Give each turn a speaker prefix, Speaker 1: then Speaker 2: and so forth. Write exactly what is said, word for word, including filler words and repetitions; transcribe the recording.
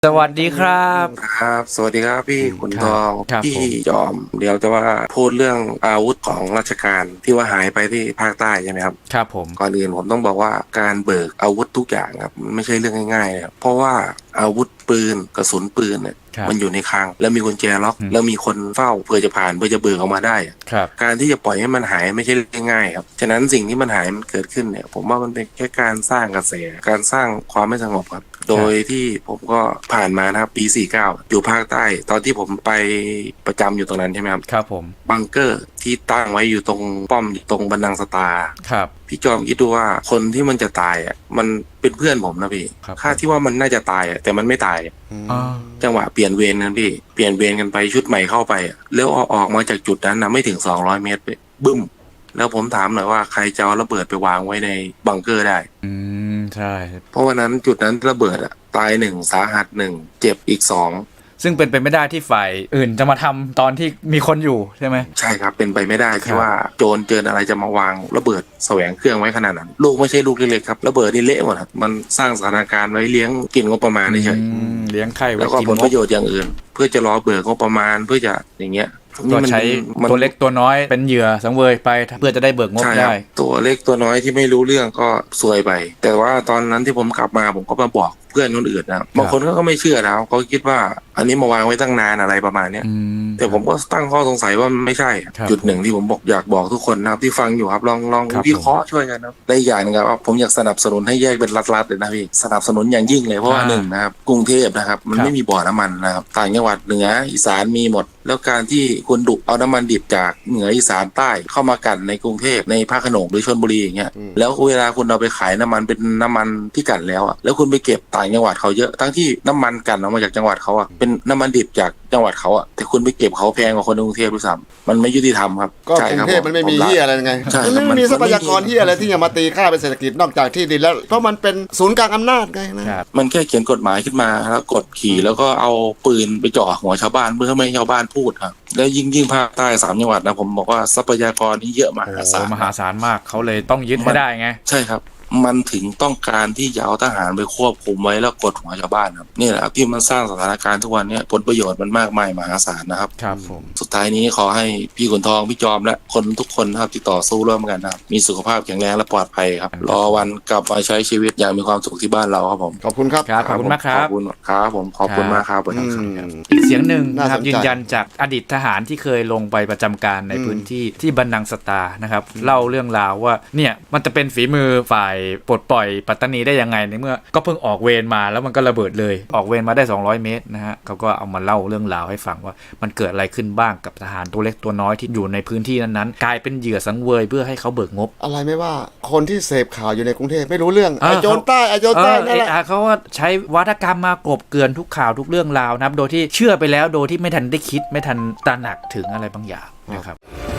Speaker 1: สวัสดีครับ
Speaker 2: ครับสวัสดีครับพี่ขุนทอง
Speaker 1: ครับ
Speaker 2: พี่
Speaker 1: ผม
Speaker 2: จอมเดี๋ยวจะว่าพูดเรื่องอาวุธของราชการที่ว่าหายไปที่ภาคใต้ใช่ไหมครับ
Speaker 1: ครับผม
Speaker 2: ก่อนอื่นผมต้องบอกว่าการเบิกอาวุธทุกอย่างครับมันไม่ใช่เรื่องง่ายๆนะครับเพราะว่าอาวุธปืนกระสุนปืนเนี่ย
Speaker 1: ครับ
Speaker 2: มันอยู่ในคลังแล้วมีกุญแจล็อก
Speaker 1: อืม
Speaker 2: แล้วมีคนเฝ้าเพื่อจะผ่านเพื่อจะเบิกออกมาได้อะ
Speaker 1: ครับ
Speaker 2: การที่จะปล่อยให้มันหายไม่ใช่เรื่องง่ายครับฉะนั้นสิ่งที่มันหายมันเกิดขึ้นเนี่ยผมว่ามันเป็นแค่การสร้างกระแสการสร้างความไม่สงบครับโดยที่ผมก็ผ่านมานะครับปีสี่สิบเก้าอยู่ภาคใต้ตอนที่ผมไปประจำอยู่ตรงนั้นใช่ไหมครับ
Speaker 1: ครับผม
Speaker 2: บังเกอร์ที่ตั้งไว้อยู่ตรงป้อมอยู่ตรงบันดังสตาร์
Speaker 1: ครับ
Speaker 2: พี่จอมคิดดูว่าคนที่มันจะตายอ่ะมันเป็นเพื่อนผมนะพี่
Speaker 1: ครับ
Speaker 2: ค่าที่ว่ามันน่าจะตายอ่ะแต่มันไม่ตาย
Speaker 1: อ่า
Speaker 2: จังหวะเปลี่ยนเวรกันพี่เปลี่ยนเวรกันไปชุดใหม่เข้าไปอะแล้วเอาออกมาจากจุดนั้นนะไม่ถึงสองร้อยเมตรไปบึ้มแล้วผมถามหน่อยว่าใครจะเอาระเบิดไปวางไว้ในบังเกอร์ได้
Speaker 1: อืมใช่
Speaker 2: เพราะวันนั้นจุดนั้นระเบิดอะตายหนึ่งสาหัสหนึ่งเจ็บอีกสอง
Speaker 1: ซึ่งเป็นไปไม่ได้ที่ฝ่ายอื่นจะมาทำตอนที่มีคนอยู่ใช่ไหม
Speaker 2: ใช่ครับเป็นไปไม่ได้
Speaker 1: ครั
Speaker 2: ที่
Speaker 1: บ
Speaker 2: ว่าโจรเจออะไรจะมาวางระเบิดแสวงเครื่องไว้ขนาดนั้นลูกไม่ใช่ลูกเล็กๆครับระเบิดนี่เละหมดครับมันสร้างสถานการณ์ไว้เลี้ยงกินงบประมาณเฉย
Speaker 1: อืมเลี้ยงไข่
Speaker 2: ๆ
Speaker 1: ไว้
Speaker 2: แล้วก็
Speaker 1: กิน
Speaker 2: ผล
Speaker 1: ง
Speaker 2: ป
Speaker 1: บ
Speaker 2: ระโยชน์อย่างอื่น เพื่อจะรอเบิกงบประมาณเพื่อจะอย่างเงี้ย
Speaker 1: ก็
Speaker 2: มัน
Speaker 1: ใช้
Speaker 2: มัน
Speaker 1: ตัวเล็กตัวน้อยเป็นเหยื่อสังเวยไปเพื่อจะได้เบิกงบ
Speaker 2: ใช่ค
Speaker 1: ได้
Speaker 2: รับตัวเล็กตัวน้อยที่ไม่รู้เรื่องก็ซวยไป แต่ว่าตอนนั้นที่ผมกลับมาผมก็มาบอกเพื่อนคนอื่นนะบางคนก็ไม่เชื่อนะเขาคิดว่าอันนี้มาวางไว้ตั้งนานอะไรประมาณเนี้ย
Speaker 1: อืม
Speaker 2: แต่ผมก็ตั้งข้อสงสัยว่ามันไม่ใช่
Speaker 1: ครับ
Speaker 2: จุดหนึ่งที่ผมบอกอยากบอกทุกคนนะครับที่ฟังอยู่ครับลองลอง
Speaker 1: ครับ
Speaker 2: วิเคราะห์ช่วยกันนะครับได้อย่างหนึงครับว่าผมอยากสนับสนุนให้แยกเป็นรัฐๆเลยนะพี่สนับสนุนอย่างยิ่งเลยเพราะว่า
Speaker 1: อ่า
Speaker 2: หนึ่งนะครับกรุงเทพนะครับมัน
Speaker 1: ครับ
Speaker 2: ไม่มีบ่อน้ำมันนะครับต่างจังหวัดเหนืออีสานมีหมด แล้วการที่คุณดุเอาน้ำมันดิบจากเหนืออีสานใต้เข้ามากันในกรุงเทพในภาคขนงหรือชลบุรีอย่างเงี้ยแล้วเวลาคุณเอาไปขายน้ำมันเป็นน้ำมันที่กันแล้วอ่ะแล้วคุณไปเก็บต่างจังหวัดเขาเยอะทั้งที่น้ำมันกันออกมาจากจังหวัดเขาอ่ะเป็นน้ำมันดิบจากจังหวัดเขาอ่ะแต่คุณไปเก็บเขาแพงกว่าคนในกรุงเทพด้วยซ้ำมันไม่ยุติธรรมครับ
Speaker 3: ก็
Speaker 2: ใช่
Speaker 3: กรุ
Speaker 2: คบ
Speaker 3: งเทพมันไม่มี
Speaker 2: ผ
Speaker 3: เฮียอะไรไง
Speaker 2: ใช่
Speaker 3: มัน
Speaker 2: ครับ
Speaker 3: ไม่มี
Speaker 2: มัน
Speaker 3: ทรัพยากร
Speaker 2: มันไม่มี
Speaker 3: เฮียอะไรที่จะมาตีค่าเป็นเศรษฐกิจนอกจากที่ดินแล้วเพราะมันเป็นศูนย์กลางอำนาจไงนะครับ
Speaker 2: มันแค่เขียนกฎหมายขึ้นมาแล้วกดขี่แล้วก็เอาปืนไปจ่อหัวชาวบ้านเพื่อไม่ให้ชาวบ้านพูดครับแล้วยิ่งยิ่งภาคใต้สามจังหวัดนะผมบอกว่าทรัพยากรนี่เยอะม
Speaker 1: โอ้
Speaker 2: หา
Speaker 1: โห
Speaker 2: ศาล
Speaker 1: มหาศาลมากเขาเลยต้องยึดให้ได้ไง
Speaker 2: ใช่ครับมันถึงต้องการที่จะเอาทหารไปควบคุมไว้แล้วกดหัวชาวบ้านครับนี่แหละครับที่มันสร้างสถานการณ์ทุกวันนี้ผลประโยชน์มันมากมายมหาศาลนะครับ
Speaker 1: ครับผม
Speaker 2: สุดท้ายนี้ขอให้พี่ขุนทองพี่จอมและคนทุกคนนะครับที่ต่อสู้ร่วมกันนะครับมีสุขภาพแข็งแรงและปลอดภัยครับรอวันกลับมาใช้ชีวิตอย่างมีความสุขที่บ้านเราครับผม
Speaker 3: ขอบคุณครับ
Speaker 1: ครับขอบคุณมากครั
Speaker 2: ข
Speaker 1: บ
Speaker 2: อบคุณครับผมขอบคุณมากครับผม
Speaker 3: อืม
Speaker 1: อีกเสียงหนึ่งนะครับ
Speaker 3: น่าสนใจ
Speaker 1: ยืนยันจากอดีตทหารที่เคยลงไปประจำการใน
Speaker 3: อืม
Speaker 1: พื้นที่ที่บันดังสตานะครับเล่าเรื่องราวว่าเนี่ยมันจะเป็นฝีมือฝ่ายปลดปล่อยปัตตานีได้ยังไงในเมื่อก็เพิ่งออกเวรมาแล้วมันก็ระเบิดเลยออกเวรมาได้สองร้อยเมตรนะฮะเขาก็เอามาเล่าเรื่องราวให้ฟังว่ามันเกิดอะไรขึ้นบ้างกับทหารตัวเล็กตัวน้อยที่อยู่ในพื้นที่นั้นๆกลายเป็นเหยื่อสังเวยเพื่อให้เขาเบิกงบ
Speaker 3: อะไรไม่ว่าคนที่เสพข่าวอยู่ในกรุงเทพไม่รู้เรื่อง
Speaker 1: เออ
Speaker 3: ไอ้โจรใต้ไอ้โจร
Speaker 1: เอ
Speaker 3: ใต้
Speaker 1: อ
Speaker 3: นั่นแหละ
Speaker 1: เออเขาว่าใช้วัฒกรรมมากลบเกลื่อนทุกข่าวทุกเรื่องราวนะครับโดยที่เชื่อไปแล้วโดยที่ไม่ทันได้คิดไม่ทันตระหนักถึงอะไรบางอย่างนะครับ